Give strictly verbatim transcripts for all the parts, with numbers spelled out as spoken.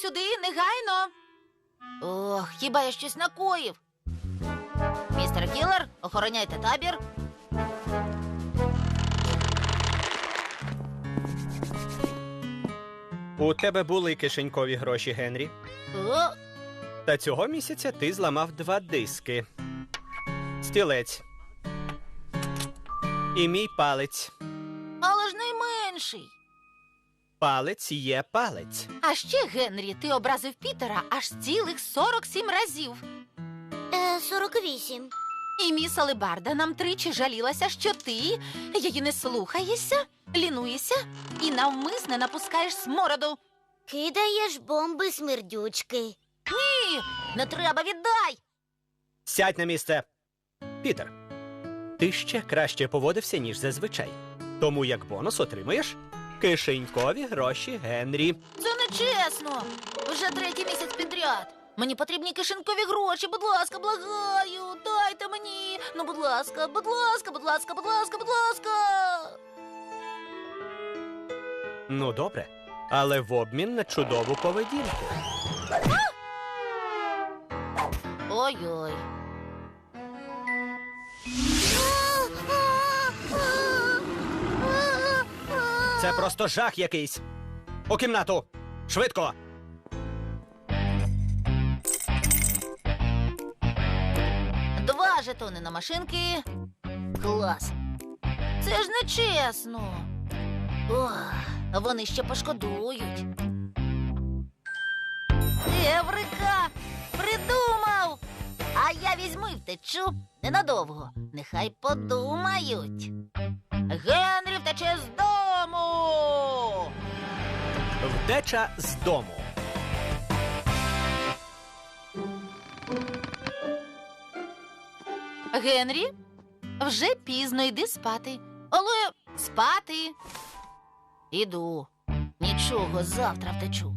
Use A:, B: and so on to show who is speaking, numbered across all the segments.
A: сюди, негайно. Ох, хіба я щось накоїв? Містер Кілер, охороняйте табір.
B: У тебе були кишенькові гроші, Генрі.
A: О,
B: Та цього місяця ти зламав два диски. Стілець. І мій палець.
A: але ж найменший.
B: Палець є палець.
A: А ще, Генрі, ти образив Пітера аж цілих сорок сім разів.
C: Е, сорок вісім.
A: І міс Алебарда нам тричі жалілася, що ти її не слухаєшся, лінуєшся і навмисне напускаєш смороду.
C: Кидаєш бомби смердючки.
A: Ні, не треба, віддай!
B: Сядь на місце. Пітер, ти ще краще поводився, ніж зазвичай. Тому як бонус отримуєш кишенькові гроші Генрі.
A: Це нечесно. Вже третій місяць підряд. Мені потрібні кишенькові гроші, будь ласка, благаю, дайте мені. Ну, будь ласка, будь ласка, будь ласка, будь ласка, будь ласка.
B: Ну, добре. Але в обмін на чудову поведінку.
A: Ой-ой.
B: Це просто жах якийсь. У кімнату. Швидко.
A: Два жетони на машинки. Клас. Це ж нечесно. Ох, вони ще пошкодують. Еврика! Придумав! А я візьму і втечу ненадовго. Нехай подумають. Генрі втече з дому!
B: Втеча з дому.
A: Генрі, вже пізно, йди спати. Але спати. Іду. Нічого, завтра втечу.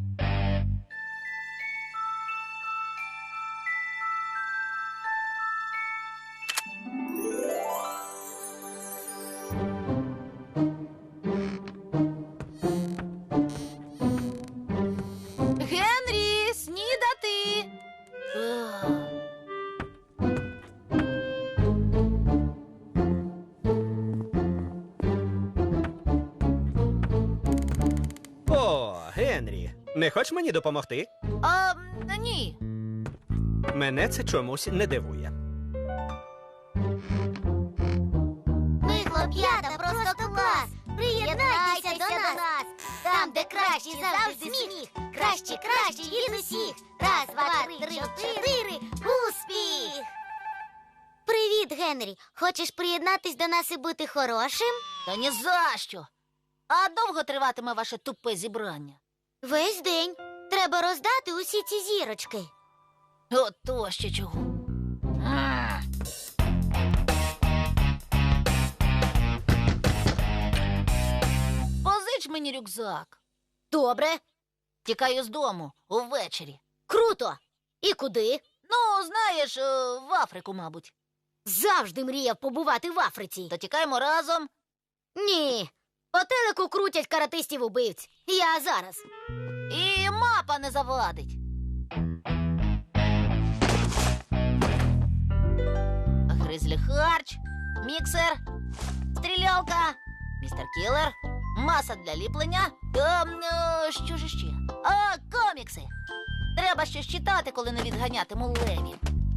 A: Генрі, снідати. Ах.
B: О, Генрі, не хочеш мені допомогти?
A: А, ні.
B: Мене це чомусь не дивує.
C: Ми, хлоп'ята, просто клас! Приєднайтеся до нас! Там, де кращий завжди сміх! Краще, краще від усіх! Раз, два, три, чотири! Успіх! Привіт, Генрі! Хочеш приєднатись до нас і бути хорошим?
A: Та ні за що. А довго триватиме ваше тупе зібрання?
C: Весь день. Треба роздати усі ці зірочки.
A: Ото ще чого. М. Позич мені рюкзак.
C: Добре.
A: Тікаю з дому увечері.
C: Круто! І куди?
A: Ну, знаєш, е, в Африку, мабуть.
C: Завжди мріяв побувати в Африці.
A: То тікаємо разом.
C: Ні. По телеку крутять каратистів-убивць. Я зараз.
A: І мапа не завадить. Гризлі харч, міксер, стрілялка, містер Кілер, маса для ліплення. Ем, е, що ж ще? А, комікси. Треба щось читати, коли не відганятиму левів.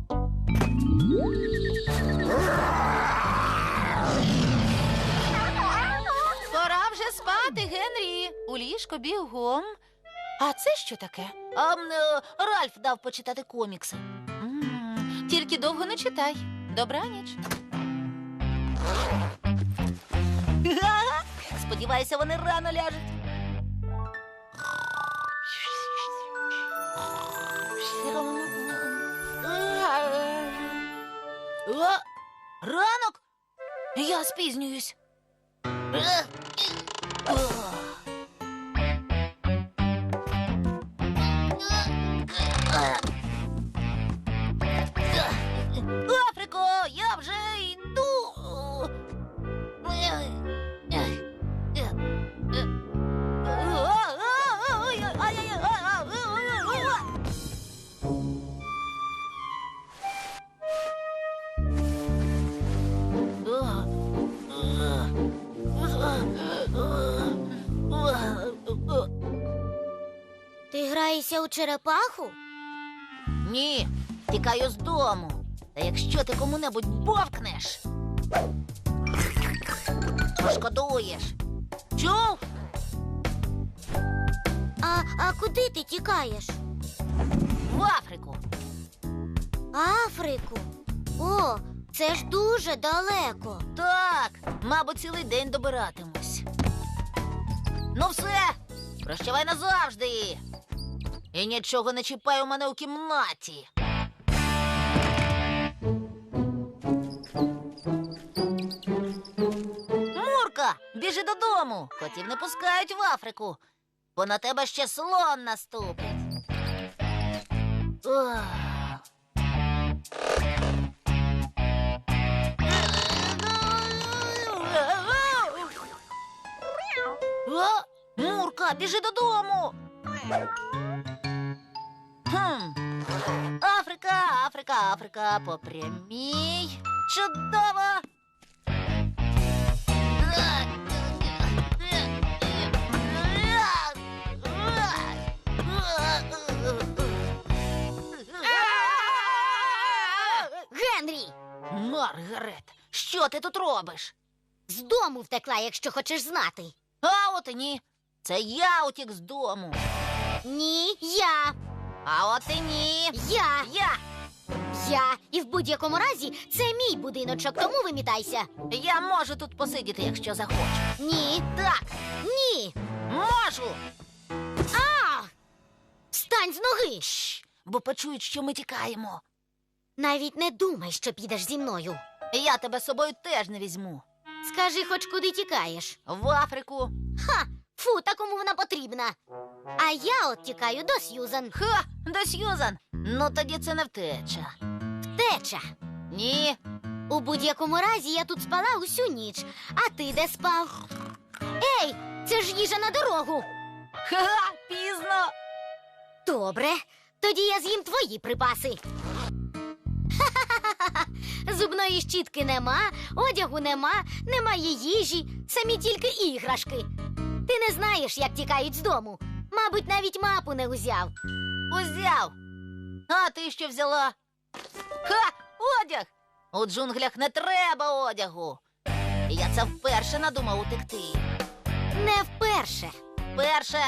A: Пора вже спати, Генрі. У ліжко бігом. А це що таке? А, м, е, Ральф дав почитати комікси. М, Тільки довго не читай. Добраніч. Сподіваюся, вони рано ляжуть. О, ранок? Я спізнююсь. Африко, я вже йду.
C: у черепаху?
A: Ні, тікаю з дому. Та якщо ти кому-небудь бовкнеш, пошкодуєш. Чув?
C: А, а куди ти тікаєш?
A: В Африку.
C: Африку? О, це ж дуже далеко.
A: Так, мабуть, цілий день добиратимусь. Ну все, прощавай назавжди. І нічого не чіпай у мене у кімнаті. Мурка, біжи додому. Котів не пускають в Африку, бо на тебе ще слон наступить. Ох. О, Мурка, біжи додому. Хм. Африка, Африка, Африка, по прямій. Чудово.
C: Генрі!
A: Маргарет, що ти тут робиш?
C: З дому втекла, якщо хочеш знати.
A: А от і ні. Це я утік з дому.
C: Ні, я.
A: А от і ні.
C: Я.
A: Я.
C: Я. І в будь-якому разі це мій будиночок, тому вимітайся.
A: Я можу тут посидіти, якщо захочу.
C: Ні.
A: Так,
C: Ні.
A: можу.
C: А! Встань з ноги.
A: Шш, бо почують, що ми тікаємо.
C: Навіть не думай, що підеш зі мною.
A: Я тебе з собою теж не візьму.
C: Скажи, хоч куди тікаєш.
A: В Африку.
C: Ха! Фу, та кому вона потрібна. А я от тікаю до Сьюзан.
A: Ха, до Сьюзан. Ну тоді це не втеча.
C: Теча.
A: Ні.
C: У будь-якому разі я тут спала усю ніч. А ти де спав? Ей, це ж їжа на дорогу.
A: Ха, пізно.
C: Добре, тоді я з'їм твої припаси. Ха-ха-ха-ха. Зубної щітки нема, одягу нема, немає їжі, самі тільки іграшки. Ти не знаєш, як тікають з дому. Мабуть, навіть мапу не узяв.
A: Узяв. А ти що взяла? Ха, одяг. У джунглях не треба одягу. І я це вперше надумав утекти.
C: Не вперше.
A: Перше.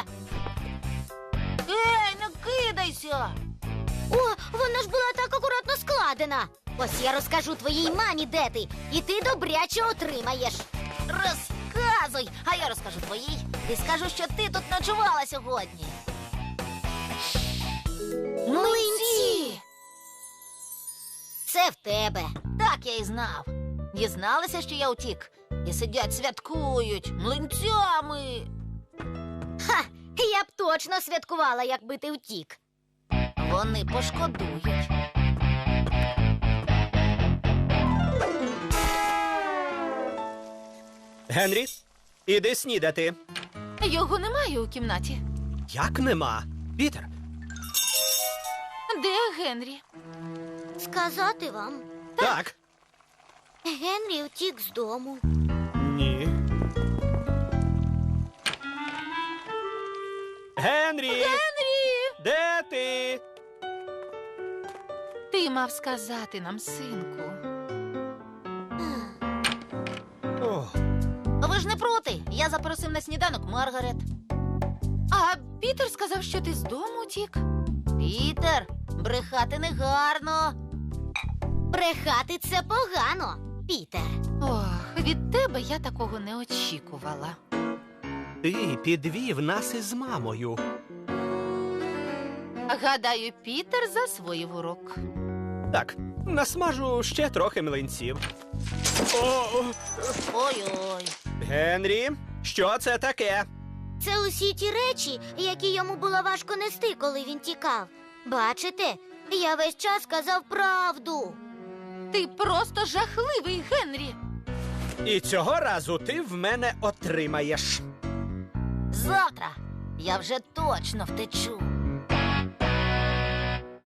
A: Ей, не кидайся.
C: О, вона ж була так акуратно складена. Ось я розкажу твоїй мамі, де ти, і ти добряче отримаєш.
A: Розказуй, а я розкажу твоїй. І скажу, що ти тут ночувала сьогодні.
C: Млинці! Це в тебе.
A: Так я і знав. Дізналися, що я утік. І сидять, святкують млинцями.
C: Ха! Я б точно святкувала, якби ти втік.
A: Вони пошкодують.
B: Генрі, іди снідати.
A: Його немає у кімнаті.
B: Як нема? Пітер,
A: Де Генрі?
C: Сказати вам,
B: так.
C: Генрі втік з дому.
B: Ні. Генрі!
A: Генрі!
B: Де ти?
A: Ти мав сказати нам, синку.
B: О,
A: Ви ж не проти. Я запросив на сніданок Маргарет. А Пітер сказав, що ти з дому утік. Пітер, брехати не гарно.
C: Брехати це погано, Пітер.
A: Ох, від тебе я такого не очікувала.
B: ти підвів нас із мамою.
A: Гадаю, Пітер засвоїв урок.
B: Так, насмажу ще трохи млинців. О,
A: Ой-ой.
B: Генрі, що це таке?
C: Це усі ті речі, які йому було важко нести, коли він тікав. Бачите, я весь час казав правду.
A: Ти просто жахливий, Генрі.
B: І цього разу ти в мене отримаєш.
A: Завтра я вже точно втечу.